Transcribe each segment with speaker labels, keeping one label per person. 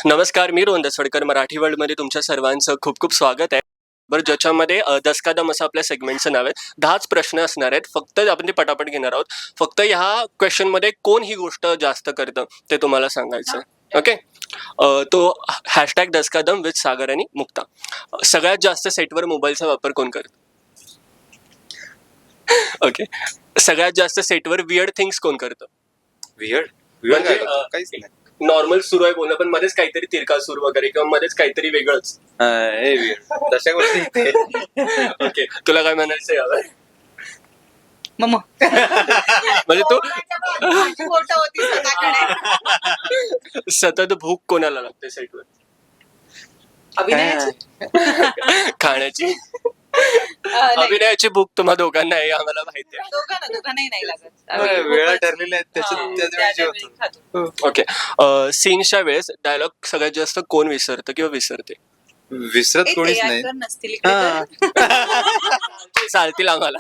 Speaker 1: नमस्कार, मी रोहन दसवडकर. मराठी वर्ल्डमध्ये तुमच्या सर्वांचं खूप खूप स्वागत आहे. बरं, ज्याच्यामध्ये दसकादम असं आपल्या सेगमेंटचं नाव आहे. 10च प्रश्न असणार आहेत. फक्त आपण ते पटापट घेणार आहोत. फक्त ह्या क्वेश्चनमध्ये कोण ही गोष्ट जास्त करतं ते तुम्हाला सांगायचं आहे. ओके. तो हॅशटॅग दसकादम विथ सागर आणि मुक्ता. सगळ्यात जास्त सेटवर मोबाईलचा वापर कोण करतं? ओके. सगळ्यात जास्त सेटवर वियर्ड थिंग्स कोण करतं?
Speaker 2: वियर्ड
Speaker 1: म्हणजे,
Speaker 2: काहीच नाही.
Speaker 1: नॉर्मल सुरू आहे बोलणं, पण मध्येच काहीतरी तिरकासूर वगैरे किंवा मध्येच काहीतरी वेगळंच.
Speaker 2: हे वियर्ड तशा गोष्टी इथे.
Speaker 1: ओके, तुला काय म्हणायचं यावर?
Speaker 3: मम्मा
Speaker 1: म्हणजे तू
Speaker 3: माझी फोटो होती स्वतःकडे.
Speaker 1: सतत भूक कोणाला लागते सेटवर?
Speaker 3: अभिनयाची
Speaker 1: खाण्याची.
Speaker 3: नाही,
Speaker 1: अभिनयाची भूक तुम्हा दोघांना आहे, आम्हाला माहिती आहे.
Speaker 3: दोघांनाही नाही लागत.
Speaker 2: वेळा ठरलेल्या आहेत
Speaker 3: हा,
Speaker 2: त्याच्यात
Speaker 3: त्या
Speaker 2: होतो.
Speaker 3: वेळी खातो.
Speaker 1: ओके. सीनच्या वेळेस डायलॉग सगळ्यात जास्त कोण विसरतं किंवा विसरते?
Speaker 2: विसरत
Speaker 3: ए,
Speaker 2: कोणीच
Speaker 3: ते
Speaker 2: नाही.
Speaker 3: actor नसतील इकडे
Speaker 2: हा.
Speaker 3: तर.
Speaker 1: चालतील आम्हाला.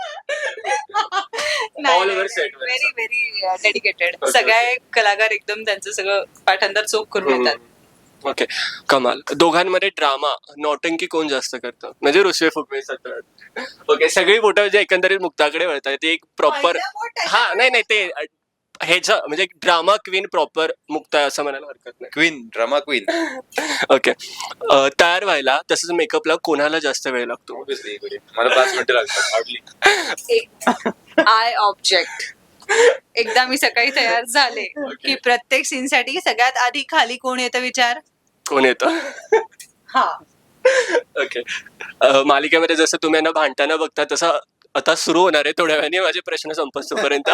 Speaker 1: All over set वर.
Speaker 3: Very very dedicated.
Speaker 1: Okay,
Speaker 3: सगळे कलाकार एकदम त्यांचं सगळं पाठांतर चोख करून येतात.
Speaker 1: ओके, कमाल. दोघांमध्ये ड्रामा नौटंकी कोण जास्त करतं? म्हणजे रुसवे फुगवे सतत. ओके, सगळी बोटं म्हणजे एकंदरीत मुक्ताकडे वळतात. ते एक प्रॉपर.
Speaker 3: पहिलं बोट आहे.
Speaker 1: हा, नाही ते ह्याचं म्हणजे ड्रामा क्वीन प्रॉपर मुक्ता आहे असं म्हणायला हरकत नाही.
Speaker 2: Queen, drama queen.
Speaker 1: ओके. तयार व्हायला तसंच मेकअपला कोणाला जास्त वेळ लागतो?
Speaker 2: ऑब्विसली मला 5 मिनिटं लागतात हार्डली.
Speaker 3: I object. एकदा मी सकाळी तयार झाले की प्रत्येक सीन साठी सगळ्यात आधी खाली कोण येतं विचार.
Speaker 1: कोण येतं?
Speaker 3: हा,
Speaker 1: ओके. मालिकेमध्ये जसं तुम्ही यांना भांडताना बघता तसं आता सुरू होणार आहे थोड्या वेळाने माझे प्रश्न संपस्तोपर्यंत.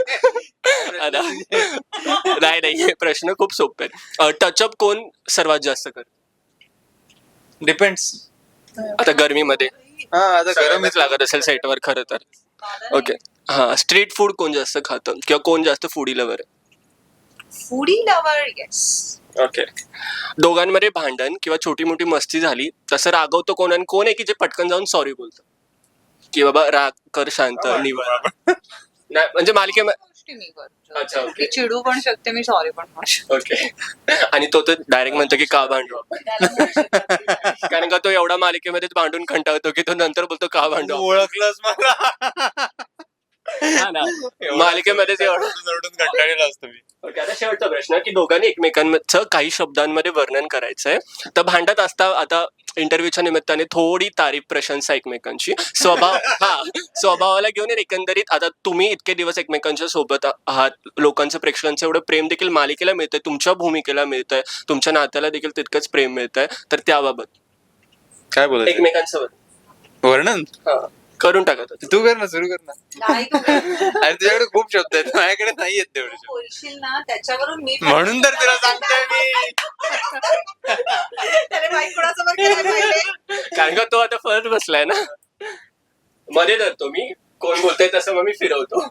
Speaker 1: नाही, प्रश्न खूप सोपे आहेत. टचअप कोण सर्वात जास्त करत?
Speaker 2: डिपेंड्स.
Speaker 1: आता गरमीमध्ये
Speaker 2: हा, आता गरम
Speaker 1: गरमच लागत असेल सेटवर खरं तर. ओके. हा, स्ट्रीट फूड कोण जास्त खातं किंवा कोण जास्त फूडी लवर आहे?
Speaker 3: Foodie lover. येस.
Speaker 1: ओके. दोघांमध्ये भांडण किंवा छोटी मोठी मस्ती झाली तसं रागवतो कोण आणि कोण आहे की जे पटकन जाऊन सॉरी बोलतं की बाबा राग कर, शांत निवड? नाही म्हणजे मालिकेमध्ये.
Speaker 3: गोष्टी मी
Speaker 1: अच्छा,
Speaker 3: करतो.
Speaker 1: ओके.
Speaker 3: मी चिडू पण शकते, मी सॉरी पण म्हणू शकते.
Speaker 1: ओके. आणि तो तर डायरेक्ट म्हणतो की का भांडू आपण? कारण का तो एवढा मालिकेमध्ये भांडून कंटाळतो की तो नंतर बोलतो का भांडू आपण?
Speaker 2: ओळखलंच मला.
Speaker 1: हा ना. मालिकेमध्येच एवढं.
Speaker 2: कंटाळलेला असतो मी.
Speaker 1: ओके, आता शेवटचा प्रश्न की दोघांनी एकमेकांचं काही शब्दांमध्ये वर्णन करायचंय. तर भांडत असता आता इंटरव्ह्यूच्या निमित्ताने थोडी तारीफ प्रशंसा एकमेकांची स्वभावाला घेऊन एकंदरीत आता तुम्ही इतके दिवस एकमेकांच्या सोबत आहात, लोकांचं प्रेक्षकांचं एवढं प्रेम देखील मालिकेला मिळतंय, तुमच्या भूमिकेला मिळतंय, तुमच्या नात्याला देखील तितकंच प्रेम मिळतंय. तर त्याबाबत
Speaker 2: काय बोलायचं
Speaker 1: एकमेकांचं
Speaker 2: वर्णन
Speaker 1: करून टाकत होते.
Speaker 2: तू कर ना, सुरू कर ना.
Speaker 3: नाही तू
Speaker 2: अरे तुझ्याकडे खूप शब्द आहेत, माझ्याकडे नाही आहेत तेवढे शब्द.
Speaker 3: बोलशील ना त्याच्यावरून मी
Speaker 2: म्हणून तर तिला सांगतोय मी.
Speaker 3: त्याने माईक कोणासमोर केलं पाहिजे.
Speaker 1: कारण का तो आता फर्स्ट बसलाय ना, मध्ये धरतो मी, कोण बोलतोय तसं मग मी फिरवतो.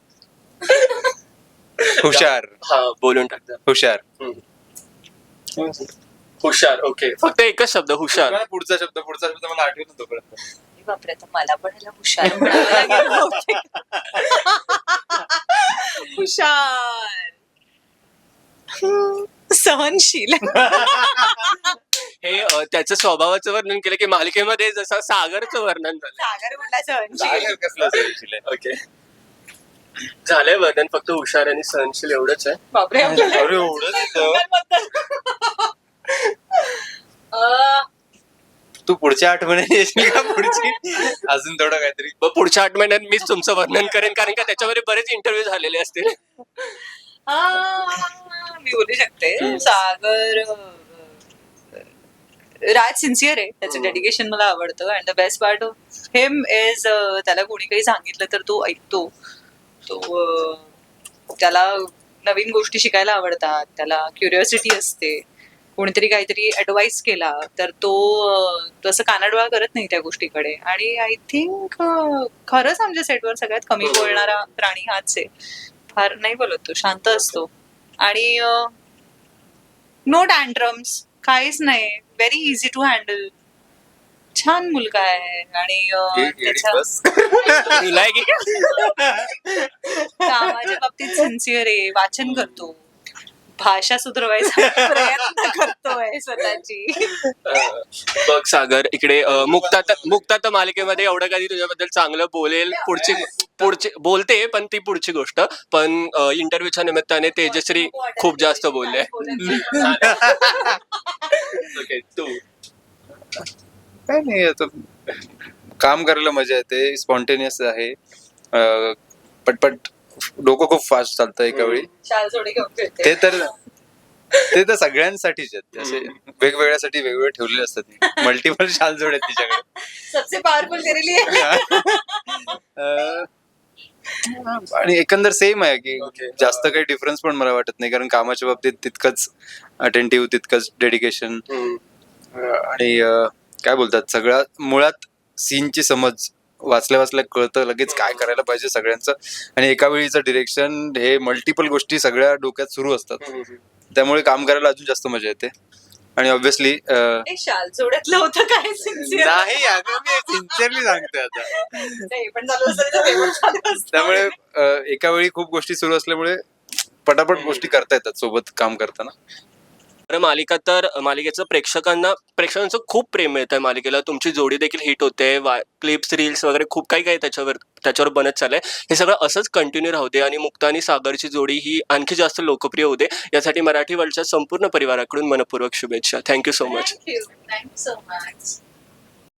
Speaker 2: हुशार.
Speaker 1: हा, बोलून टाकतात.
Speaker 2: हुशार.
Speaker 1: हुशार. ओके, फक्त एकच शब्द हुशार.
Speaker 2: पुढचा शब्द मला आठवत नव्हतो तोपर्यंत.
Speaker 3: बापरे, आता मला पण ह्याला हुशार म्हणावं लागेल बहुतेक. हुशार. सहनशील.
Speaker 1: हे त्याचं स्वभावाचं वर्णन केलं की मालिकेमध्ये जसं सागरचं वर्णन झालं.
Speaker 3: सागर म्हटला सहनशील.
Speaker 2: सागर कसला सहनशील आहे.
Speaker 1: ओके, झालंय वर्णन, फक्त हुशार आणि सहनशील एवढंच आहे.
Speaker 3: बापरे, आपल्याला
Speaker 2: अरे एवढंच येतं. तू पुढच्या आठवड्याने येशील का? पुढची अजून थोडं काहीतरी.
Speaker 1: मग पुढच्या 8 महिन्यात मीच तुमचं वर्णन करेन, कारण का त्याच्यामध्ये बरेच इंटरव्ह्यू झालेले असतील.
Speaker 3: मी बोलू शकते. सागर राज सिन्सिअर आहे, त्याचं डेडिकेशन मला आवडतं. And the best part of him is त्याला कोणी काही सांगितलं तर तो ऐकतो. त्याला नवीन गोष्टी शिकायला आवडतात, त्याला क्युरिओसिटी असते. कोणीतरी काहीतरी ऍडवाइस केला तर तो तसं कानाडोळा करत नाही त्या गोष्टीकडे. आणि आय थिंक खरंच आमच्या सेटवर सगळ्यात कमी बोलणारा प्राणी हाच आहे. फार नाही बोलत तो, शांत असतो आणि नो टँट्रम्स, काहीच नाही. Very easy to handle. छान मुलगा आहे आणि कामाच्या बाबतीत सिन्सिअर आहे, वाचन करतो, भाषा सुधारवायचा प्रयत्न करतोय. आहे स्वतःची.
Speaker 1: बघ सागर इकडे मुक्ता तर मालिकेमध्ये एवढं कधी तुझ्याबद्दल चांगलं बोलेल पुढची बोलते पण ती पुढची गोष्ट पण इंटरव्ह्यूच्या निमित्ताने तेजश्री खूप जास्त बोलले. ओके तू
Speaker 2: काय नाही आता काम करायला मजा येते, स्पॉन्टेनियस आहे, पटपट डोकं खूप फास्ट चालतं एका वेळी.
Speaker 3: शाल जोडी घेऊन फिरते.
Speaker 2: ते तर सगळ्यांसाठीच आहेत, असे वेगवेगळ्यासाठी वेगवेगळे ठेवलेले असतात. मल्टिपल शाल जोड आहेत तिच्याकडे.
Speaker 3: सबसे पॉवरफुल तेरे लिए.
Speaker 2: आणि एकंदर सेम आहे की जास्त काही डिफरन्स पण मला वाटत नाही, कारण कामाच्या बाबतीत तितकंच अटेंटिव्ह, तितकंच डेडिकेशन आणि काय बोलतात सगळ्या मुळात सीनची समज वाचल्या वाचल्या कळतं लगेच काय करायला पाहिजे सगळ्यांचं. आणि एका वेळीचं डिरेक्शन हे मल्टिपल गोष्टी सगळ्या डोक्यात सुरू असतात, त्यामुळे काम करायला अजून जास्त मजा येते. आणि ऑब्व्हियसली
Speaker 3: शाल जोड्यातलं होतं काय सिन्सिअर
Speaker 2: नाही अगं मी सिन्सिअरली सांगतोय आता.
Speaker 3: नाही पण झालं असतं तर ते पण झालं असतं.
Speaker 2: त्यामुळे एका वेळी खूप गोष्टी सुरू असल्यामुळे पटापट गोष्टी करता येतात सोबत काम करताना.
Speaker 1: तर मालिकेचं प्रेक्षकांचं खूप प्रेम मिळतंय मालिकेला. तुमची जोडी देखील हिट होते, क्लिप्स रील्स वगैरे खूप काही त्याच्यावर बनत चाललंय. हे सगळं असंच कंटिन्यू राहू दे आणि मुक्ता आणि सागरची जोडी ही आणखी जास्त लोकप्रिय होते यासाठी मराठी वर्ल्डच्या संपूर्ण परिवाराकडून मनपूर्वक शुभेच्छा. Thank you so much.
Speaker 3: Thank you so much.